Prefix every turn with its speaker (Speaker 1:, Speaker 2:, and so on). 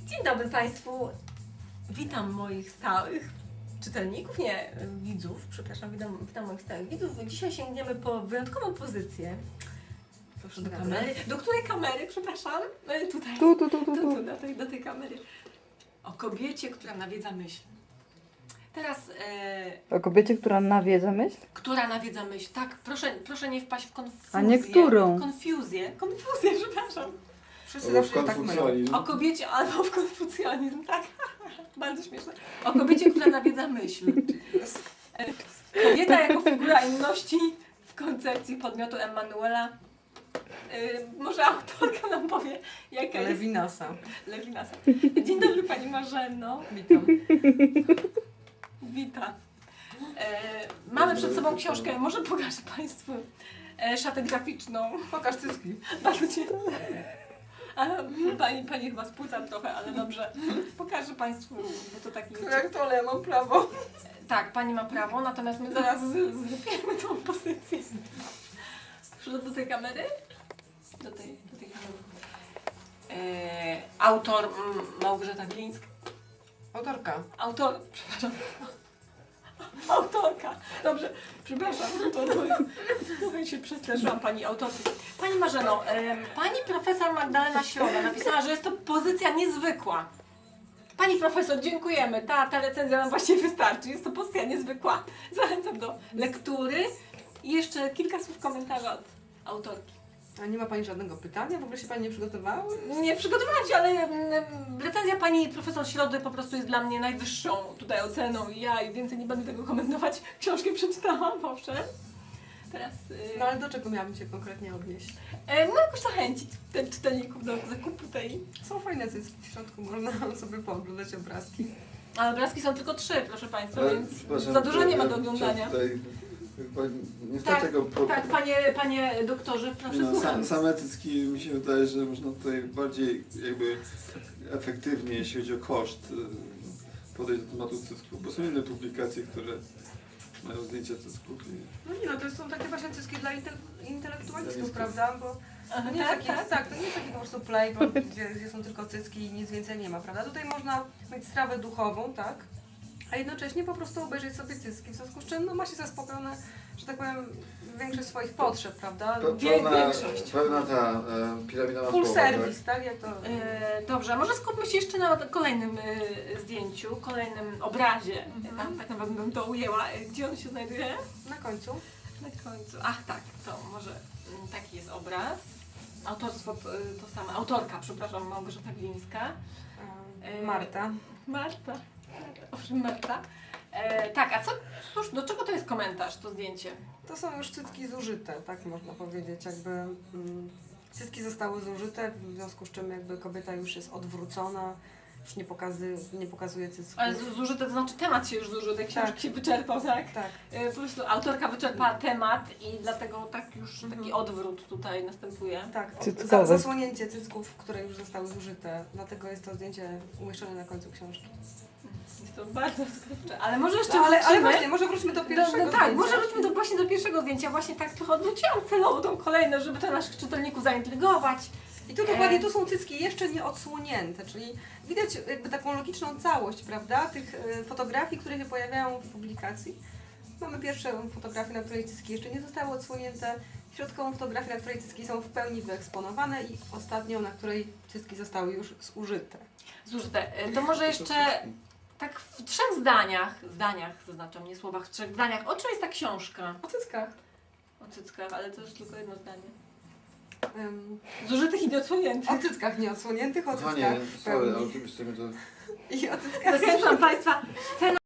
Speaker 1: Dzień dobry Państwu. Witam moich stałych czytelników, nie, widzów, przepraszam, witam moich stałych widzów. Dzisiaj sięgniemy po wyjątkową pozycję. Proszę do kamery. Do której kamery, przepraszam? Tutaj. Tu, do tej kamery. O kobiecie, która nawiedza myśl. Teraz...
Speaker 2: O kobiecie, która nawiedza myśl?
Speaker 1: Która nawiedza myśl, tak, proszę nie wpaść w konfuzję.
Speaker 2: A nie którą?
Speaker 1: Konfuzję, przepraszam.
Speaker 3: Wszyscy zawsze tak mylą.
Speaker 1: O kobiecie albo w konfucjanizm, tak? Bardzo śmieszne. O kobiecie, która nawiedza myśl. Kobieta jako figura inności w koncepcji podmiotu Emanuela. Może autorka nam powie, jaka jest... Levinasa. Dzień dobry Pani Marzeno.
Speaker 3: Witam.
Speaker 1: Witam. Mamy przed sobą książkę, może pokażę Państwu szatę graficzną.
Speaker 3: Pokaż cycki.
Speaker 1: Bardzo cię. Pani chyba spłyca trochę, ale dobrze. Pokażę Państwu, bo to taki jest.
Speaker 3: Jak to, ale ja mam prawo.
Speaker 1: Tak, Pani ma prawo, natomiast my zaraz zlepiemy tą pozycję. Proszę do tej kamery. Do tej kamery. Autor Małgorzata Glińska. Przepraszam. Autorka. Dobrze, przepraszam, trochę się przestraszyłam Pani autorki. Pani Marzeno, Pani profesor Magdalena Środa napisała, że jest to pozycja niezwykła. Pani profesor, dziękujemy. Ta recenzja nam właściwie wystarczy. Jest to pozycja niezwykła. Zachęcam do lektury i jeszcze kilka słów komentarza od autorki.
Speaker 3: A nie ma Pani żadnego pytania? W ogóle się Pani nie przygotowała?
Speaker 1: Nie przygotowałam się, ale recenzja Pani profesor Środy po prostu jest dla mnie najwyższą tutaj oceną i ja więcej nie będę tego komentować. Książkę przeczytałam, owszem. Teraz...
Speaker 3: No ale do czego miałabym się konkretnie odnieść?
Speaker 1: No jakoś zachęcić czytelników do zakupu tej...
Speaker 3: Są fajne cycki w środku, można sobie pooglądać obrazki.
Speaker 1: Ale obrazki są tylko 3, proszę Państwa,
Speaker 4: Ale,
Speaker 1: więc za dużo nie ma do oglądania.
Speaker 4: Tutaj, nie
Speaker 1: Tak,
Speaker 4: tego
Speaker 1: tak, panie doktorze, proszę słucham.
Speaker 4: same cycki mi się wydaje, że można tutaj bardziej jakby efektywnie, jeśli chodzi o koszt, podejść do tematu cycków, bo są inne publikacje, które mają zdjęcia cycków.
Speaker 3: No nie no, to są takie właśnie cycki dla intelektualistów,
Speaker 4: Dla
Speaker 3: prawda? Bo
Speaker 1: Aha,
Speaker 3: to nie jest
Speaker 1: tak,
Speaker 3: taki,
Speaker 1: tak.
Speaker 3: to nie jest taki po prostu playboy, gdzie są tylko cycki i nic więcej nie ma, prawda? Tutaj można mieć strawę duchową, tak? A jednocześnie po prostu obejrzeć sobie cycki, w związku z czym no, ma się zaspokojone, że tak powiem, większość swoich potrzeb, prawda?
Speaker 1: Większość.
Speaker 4: Pełna ta piramidowa
Speaker 3: Full
Speaker 4: słowa,
Speaker 3: service, tak? Jak to...
Speaker 1: Dobrze, a może skupmy się jeszcze na kolejnym zdjęciu, kolejnym obrazie. Tak naprawdę bym to ujęła. Gdzie on się znajduje?
Speaker 3: Na końcu.
Speaker 1: Na końcu. Ach tak, to może taki jest obraz. Autorstwo to samo. Autorka, przepraszam, Małgorzata Glińska.
Speaker 3: Marta.
Speaker 1: Marta. Owszem, Marta. Tak, a cóż, do czego to jest komentarz, to zdjęcie?
Speaker 3: To są już cycki zużyte, tak można powiedzieć, jakby cycki zostały zużyte, w związku z czym jakby kobieta już jest odwrócona, już nie pokazuje cycków.
Speaker 1: Ale zużyte to znaczy temat się już zużył, tej książki się wyczerpał, tak?
Speaker 3: Tak.
Speaker 1: Po prostu autorka wyczerpała temat i dlatego tak już taki odwrót tutaj następuje.
Speaker 3: Tak,
Speaker 2: Cyckowe.
Speaker 3: zasłonięcie cycków, które już zostały zużyte, dlatego jest to zdjęcie umieszczone na końcu książki.
Speaker 1: Jest to bardzo odkrywcze, ale może jeszcze
Speaker 3: No, ale
Speaker 1: wrócimy.
Speaker 3: właśnie, może wróćmy do pierwszego
Speaker 1: No tak,
Speaker 3: zdjęcia.
Speaker 1: może wróćmy właśnie do pierwszego zdjęcia. Właśnie tak trochę odwróciłam celowo tą kolejność, żeby to naszych czytelników zaintrygować.
Speaker 3: I tu dokładnie tu są cycki jeszcze nie odsłonięte, czyli widać jakby taką logiczną całość, prawda, tych fotografii, które się pojawiają w publikacji. Mamy pierwszą fotografię, na której cycki jeszcze nie zostały odsłonięte, środkową fotografię, na której cycki są w pełni wyeksponowane i ostatnią, na której cycki zostały już zużyte.
Speaker 1: Zużyte. To może jeszcze tak w 3 zdaniach, zaznaczam, nie słowach, w 3 zdaniach, o czym jest ta książka?
Speaker 3: O cyckach.
Speaker 1: O cyckach, ale to jest tylko jedno zdanie. Zużytych i nieodsłoniętych.
Speaker 3: O cyckach nieodsłoniętych, o cyckach
Speaker 4: Kochanie,
Speaker 3: w
Speaker 4: sorry,
Speaker 3: pełni.
Speaker 4: ale oczywiście mi to...
Speaker 3: I o cyckach
Speaker 1: Zachęcam Państwa, cena